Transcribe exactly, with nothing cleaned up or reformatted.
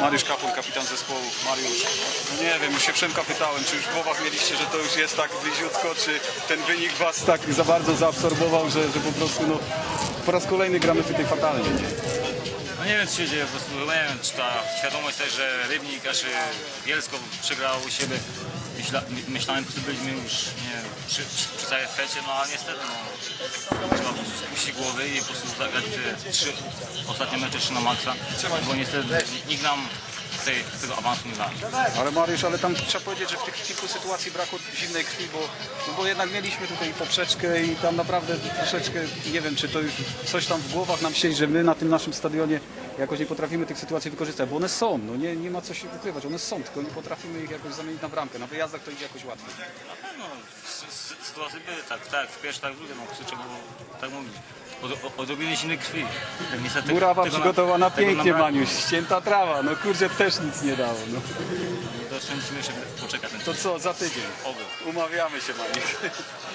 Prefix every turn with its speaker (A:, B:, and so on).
A: Mariusz Kapun, kapitan zespołu. Mariusz, no nie wiem, już się Przemka pytałem, czy już w głowach mieliście, że to już jest tak bliziutko, czy ten wynik was tak za bardzo zaabsorbował, że, że po prostu no, po raz kolejny gramy tutaj fatalnie. Nie?
B: No nie wiem, co się dzieje, po prostu nie wiem, czy ta świadomość też, że Rybnik, aż Bielsko przegrał u siebie. Myśla, myślałem, że byliśmy już nie wiem, przy, przy całej fecie, no ale niestety no, trzeba po prostu spuścić głowy i po prostu zagrać te trzy ostatnie mecze jeszcze na maksa, bo niestety nikt nam tej, tego awansu nie da.
A: Ale Mariusz, ale tam trzeba powiedzieć, że w tych kilku sytuacji brakło zimnej krwi, bo, no bo jednak mieliśmy tutaj poprzeczkę i tam naprawdę troszeczkę, nie wiem, czy to już coś tam w głowach nam siedzi, że my na tym naszym stadionie jakoś nie potrafimy tych sytuacji wykorzystać, bo one są, no nie, nie ma co się ukrywać, one są, tylko nie potrafimy ich jakoś zamienić na bramkę. Na wyjazdach to idzie jakoś łatwiej.
B: Na pewno sytuacje były tak, tak, w pierwszej, tak w drugiej, no trzeba było tak mówić. Od, odrobinę zimnej krwi. Niestety,
A: Murawa przygotowana
B: tego
A: pięknie,
B: nam
A: Maniuś, ścięta trawa, no kurczę, też nic nie dało. No.
B: To jeszcze musimy jeszcze poczekać.
A: To co, za tydzień?
B: Oby.
A: Umawiamy się, Maniuś.